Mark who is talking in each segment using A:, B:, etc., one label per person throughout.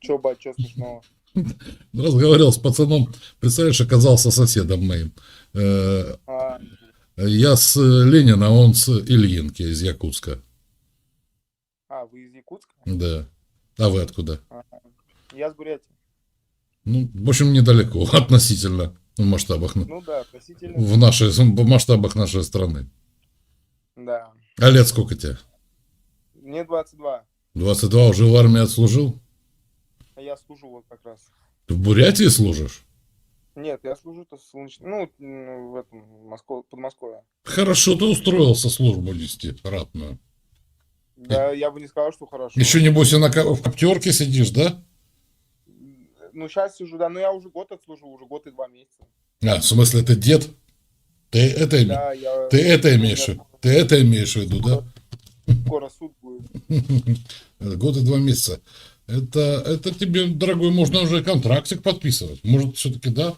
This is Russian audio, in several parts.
A: Че, бать, че смешного?
B: Разговаривал с пацаном, представляешь, оказался соседом моим. Э,
A: А,
B: Я с Ленина, он с Ильинки из Якутска.
A: вы из Якутска?
B: Да. А вы откуда?
A: А, я с Бурятии.
B: Ну, в общем, недалеко относительно в масштабах,
A: Ну да, относительно,
B: в масштабах нашей страны.
A: да.
B: А лет сколько тебе?
A: Мне 22,
B: 22, уже в армии отслужил?
A: а я служу вот как раз.
B: Ты в Бурятии служишь?
A: Нет, я служу-то в солнечном, в этом, Подмосковье.
B: Хорошо ты устроился службу нести, ратную.
A: Да, я бы не сказал, что хорошо.
B: Еще, небось, и в коптерке сидишь, да?
A: Ну, сейчас сижу, да, но я уже год отслужил, уже год и 2 месяца.
B: А, в смысле, ты дед? Ты это,
A: Да,
B: ты это
A: у
B: имеешь,
A: меня
B: ты это имеешь в виду, да?
A: скоро суд будет.
B: Год и 2 месяца. Это тебе, дорогой, можно уже контрактик подписывать. Может, все-таки да?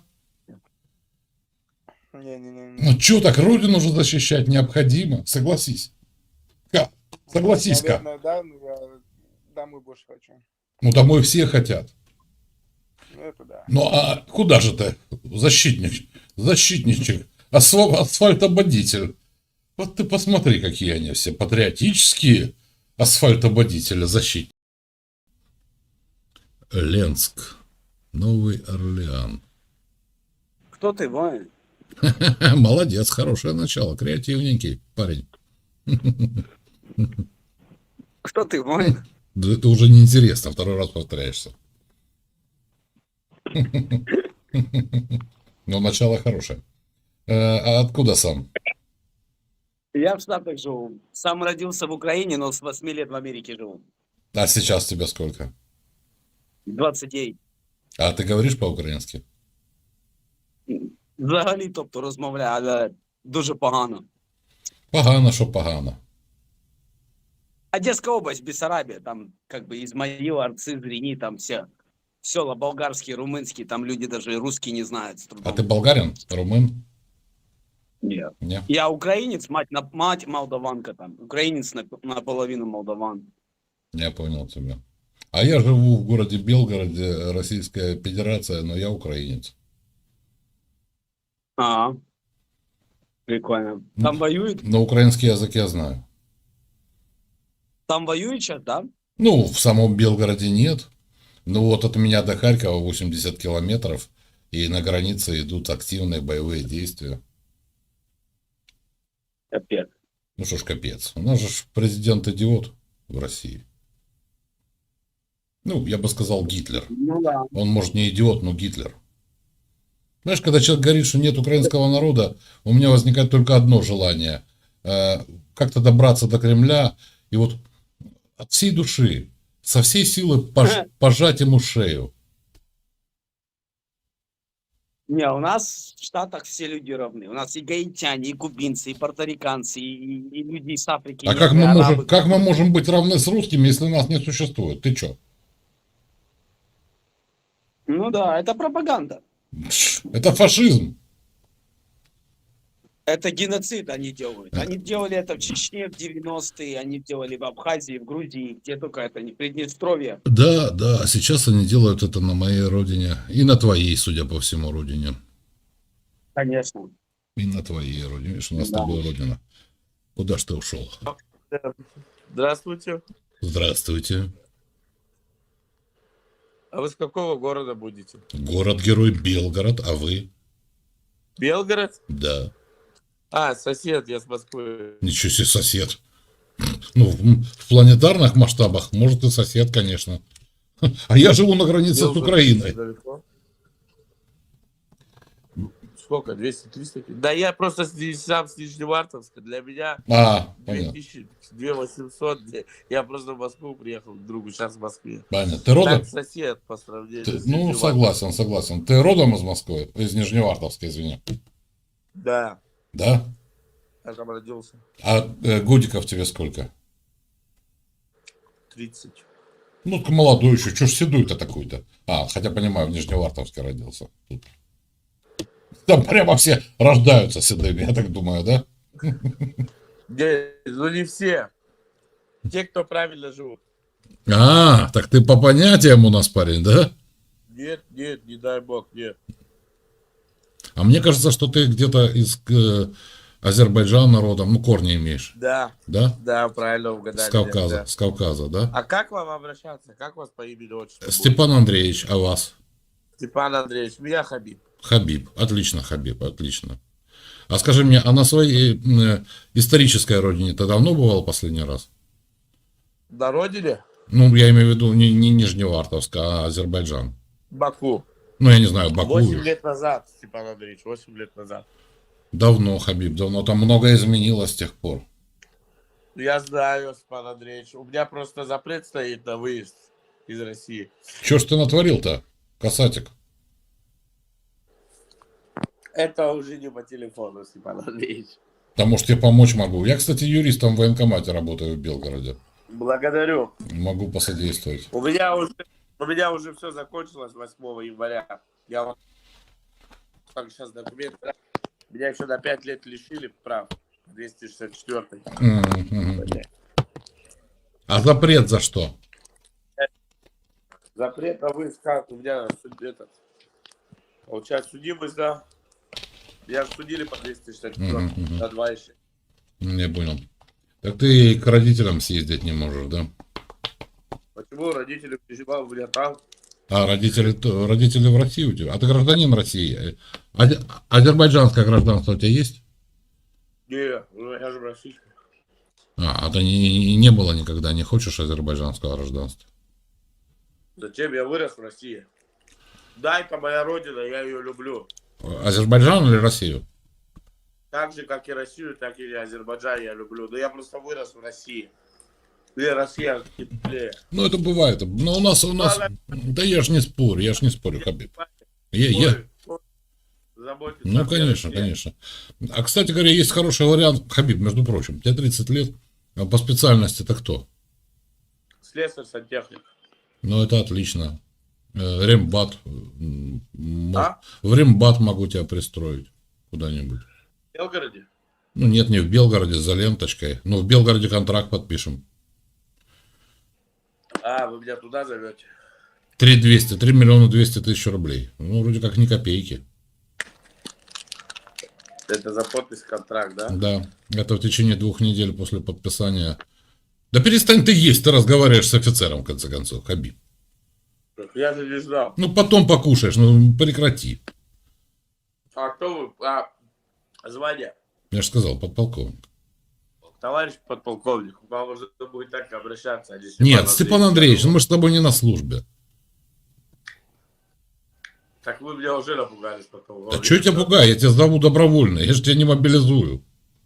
A: Не-не-не.
B: Ну, что так, родину же защищать необходимо. Согласись. Как? Согласись-ка.
A: Наверное, да, но я домой больше хочу.
B: Ну, домой все хотят.
A: Ну, это да.
B: Ну, а куда же ты, защитник, защитничек, асфальтободитель? Вот ты посмотри, какие они все патриотические асфальтободители, защитники. Ленск, Новый Орлеан.
C: Кто ты, воин?
B: Молодец, хорошее начало, креативненький парень.
C: Кто ты, воин?
B: Да это уже неинтересно, второй раз повторяешься. Но начало хорошее. А откуда сам?
C: Я в Штатах живу. Сам родился в Украине, но с 8 лет в Америке живу.
B: А сейчас тебе сколько?
C: 29.
B: А ты говоришь по-украински?
C: Взагалі, тобто, розмовляю, але дуже погано.
B: Погано, що погано.
C: Одесская область, Бессарабия, там как бы Измаил, Арцы, Зрени, там все села болгарские, румынские, там люди даже и русский не знают с
B: А
C: трудом.
B: ты болгарин? Румын?
C: Нет.
B: Не?
C: Я украинец, мать молдаванка там, украинец наполовину молдаван.
B: Я понял тебя. А я живу в городе Белгороде, Российская Федерация, но я украинец.
C: А, прикольно. Там воюют?
B: Но украинский язык я знаю.
C: Там воюют сейчас, да?
B: Ну, в самом Белгороде нет. Ну вот от меня до Харькова 80 километров, и на границе идут активные боевые действия.
C: Капец.
B: Ну что ж, капец. У нас же президент идиот в России. Ну, я бы сказал, Гитлер.
C: Ну да.
B: Он, может, не идиот, но Гитлер. Знаешь, когда человек говорит, что нет украинского народа, у меня возникает только одно желание. Как-то добраться до Кремля и вот от всей души, со всей силы пожать ему шею.
C: Не, у нас в Штатах все люди равны. У нас и гаитяне, и кубинцы, и порториканцы, и люди из Африки,
B: А
C: негры, арабы.
B: как мы можем быть равны с русскими, если нас не существует? Ты чё?
C: Ну да, это пропаганда.
B: Это фашизм.
C: Это геноцид они делают. Они делали это в Чечне в 90-е, они делали в Абхазии, в Грузии, где только это не Приднестровье.
B: Да, да, сейчас они делают это на моей родине. И на твоей, судя по всему, родине.
C: Конечно.
B: И на твоей родине. Видишь, у нас с
C: Да.
B: тобой родина. Куда ж ты ушел?
D: Здравствуйте.
B: Здравствуйте.
D: А вы с какого города будете?
B: Город-герой Белгород, а вы?
D: Белгород?
B: Да.
D: А, сосед, я с Москвы.
B: Ничего себе, сосед. Ну, в планетарных масштабах, может, и сосед, конечно. А я живу на границе с Украиной.
D: Далеко. Сколько? 200-300? Да я просто сам с Нижневартовска. Для меня
B: Понятно.
D: 2000, 2800. Я просто в Москву приехал к другу, сейчас в Москве.
B: Понятно. Ты родом?
D: Так сосед по сравнению с
B: Ну,
D: Нижневартовском.
B: согласен. Ты родом из Москвы? Из Нижневартовска, извини.
D: Да,
B: Да?
D: я там родился.
B: А годиков тебе сколько?
D: 30.
B: Ну, ты молодой еще. Чё ж седой-то такой-то? Хотя, понимаю, в Нижневартовске родился. Тут. Там прямо все рождаются седыми, я так думаю, да?
D: Не, ну не все. Те, кто правильно живут.
B: А, так ты по понятиям у нас парень, да?
D: Нет, нет, не дай бог, нет.
B: А мне кажется, что ты где-то из Азербайджана родом, ну, корни имеешь,
D: Да,
B: да?
D: да, правильно угадали. Да.
B: С Кавказа, да?
D: А как вам обращаться? Как вас по имени отчеству будет?
B: Степан Андреевич, а вас?
D: Степан Андреевич, меня Хабиб.
B: Хабиб. Отлично, Хабиб, отлично. А скажи мне, а на своей исторической родине ты давно бывал последний раз?
D: На родине?
B: Ну, я имею в виду не Нижневартовск, а Азербайджан.
D: Баку.
B: Ну, я не знаю, Баку.
D: 8 лет назад, Степан Андреевич, 8 лет назад.
B: Давно, Хабиб, давно. Там многое изменилось с тех пор.
D: Я знаю, Степан Андреевич. У меня просто запрет стоит на выезд из России.
B: Че ж ты натворил-то, касатик?
D: Это уже не по телефону, Степан Андреевич.
B: Да, может, я помочь могу. Я, кстати, юристом в военкомате работаю в Белгороде.
D: Благодарю.
B: Могу посодействовать.
D: У меня уже все закончилось 8 января. Я вот так сейчас документы. Меня еще на 5 лет лишили прав. 264.
B: А запрет за что?
D: Запрет на выезд, как у меня этот, получается, судимость, да. Меня судили по 264 на 2 еще.
B: Не понял. Так ты к родителям съездить не можешь, да?
D: Почему родители переживали у меня там?
B: А родители в России у тебя? А ты гражданин России? Азербайджанское гражданство у тебя есть?
D: Не, ну я же российский.
B: А ты не было никогда, не хочешь азербайджанского гражданства?
D: Зачем я вырос в России? Да, это моя родина, я ее люблю.
B: Азербайджан или Россию?
D: Так же, как и Россию, так и Азербайджан я люблю. Но я просто вырос в России. Где Россия теплее.
B: Ну, это бывает. Но у нас... Да я ж не спорю, Хабиб.
D: Заботиться
B: Ну,
D: о
B: конечно,
D: России.
B: конечно. А, кстати говоря, есть хороший вариант, Хабиб, между прочим. Тебе 30 лет, а по специальности ты кто?
D: Слесарь, сантехник.
B: Ну, это отлично. Рембат.
D: А?
B: В Рембат могу тебя пристроить куда-нибудь.
D: В Белгороде?
B: Ну, нет, не в Белгороде, за ленточкой. Ну, в Белгороде контракт подпишем.
D: А, вы меня туда зовете?
B: 3 миллиона 200 тысяч рублей. Ну, вроде как ни копейки.
D: Это за подпись контракт, да?
B: Да, это в течение 2 недель после подписания. Да перестань ты есть, ты разговариваешь с офицером, в конце концов, Хабиб.
D: Я же не знал.
B: Ну, потом покушаешь, ну, прекрати.
D: А кто вы? А, звание?
B: Я же сказал, подполковник.
D: Товарищ подполковник, к вам уже будет так обращаться. А не
B: Нет, Степан Андреевич, ну мы же с тобой не на службе.
D: Так вы меня уже напугали, подполковник.
B: А что я тебя пугаю? Я тебя зову добровольно, я же тебя не мобилизую.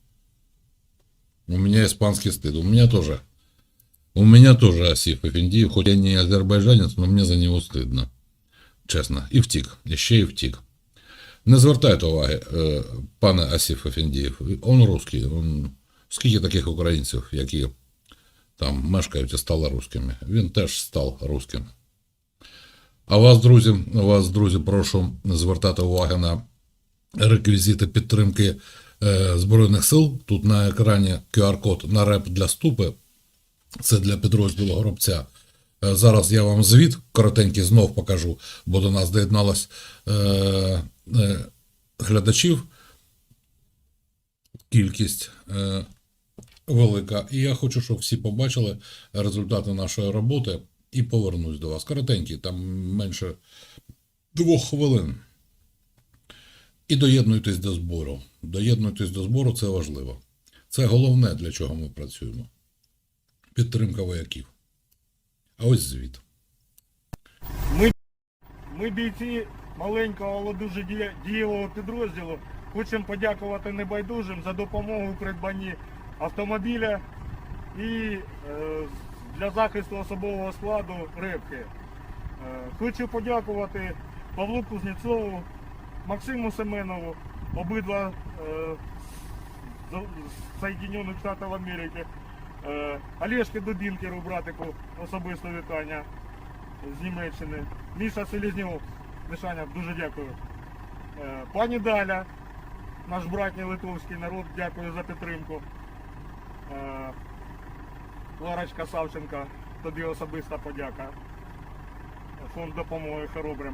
B: У меня испанский стыд, у меня тоже. У меня тоже Асиф Эфендиев, хоть я не азербайджанец, но мне за него стидно. Чесно. І втік, ще й втік. Не звертайте уваги, пане Асиф Эфендиев. Он русский. Скільки таких українців, які там мешкають і стали русскими. Він теж став русским. А вас, друзі, прошу звертати увагу на реквізити підтримки Збройних сил. Тут на екрані QR-код на реп для ступи. Це для підрозділу Горобця. Зараз я вам звіт коротенький знов покажу, бо до нас доєдналось глядачів. Кількість велика. І я хочу, щоб всі побачили результати нашої роботи і повернусь до вас. Коротенький, там менше 2 хвилин. І доєднуйтесь до збору. Доєднуйтесь до збору, це важливо. Це головне, для чого ми працюємо. Підтримка вояків. А ось звіт.
E: Ми бійці маленького, але дуже дієвого підрозділу. Хочемо подякувати небайдужим за допомогу у придбанні автомобіля і для захисту особового складу рибки. Хочу подякувати Павлу Кузнєцову, Максиму Семенову, обидва з Соединених Штатів Америки, Олешки Дубінкеру, братику, особисте вітання з Німеччини, Міша Селезньов, Мішаня, дуже дякую. Пані Даля, наш братній литовський народ, дякую за підтримку. Ларочка Савченка, тобі особиста подяка. Фонд допомоги хоробрим.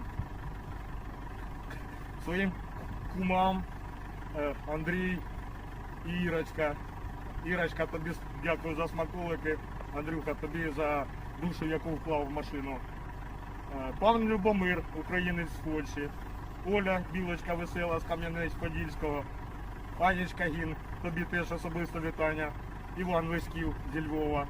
E: Своїм кумам Андрій і Ірочка. Ірочка, тобі дякую за смаколики. Андрюха, тобі за душу, яку вклав в машину. Пан Любомир, українець з Польщі. Оля, білочка весела з Кам'янець-Подільського. Анечка Гін, тобі теж особисто вітання. Іван Леськів зі Львова.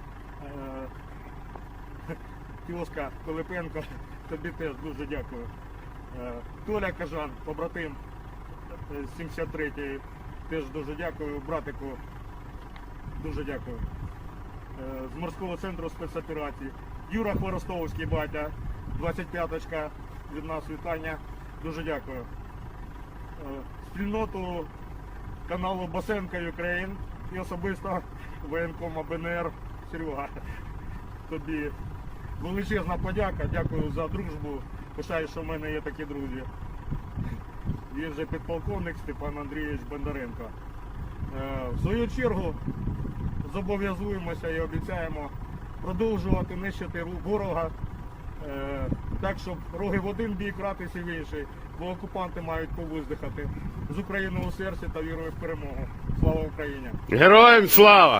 E: Тьоска Пилипенко, тобі теж дуже дякую. Толя Кажан, побратим з 73-ї, теж дуже дякую. Братику, дуже дякую. З морського центру спецоперацій. Юра Хворостовський, батя, 25-очка, від нас вітання, дуже дякую. Спільноту каналу Басенка Україн і особисто воєнкома БНР Серега, тобі величезна подяка, дякую за дружбу. Пишаю, що в мене є такі друзі. Він же підполковник Степан Андрійович Бондаренко. В свою чергу зобов'язуємося і обіцяємо продовжувати нищити ворога, так, щоб роги в один бік, ратися в інший, бо окупанти мають повиздихати. З Україною у серці та вірою в перемогу. Слава Україні!
F: Героям слава!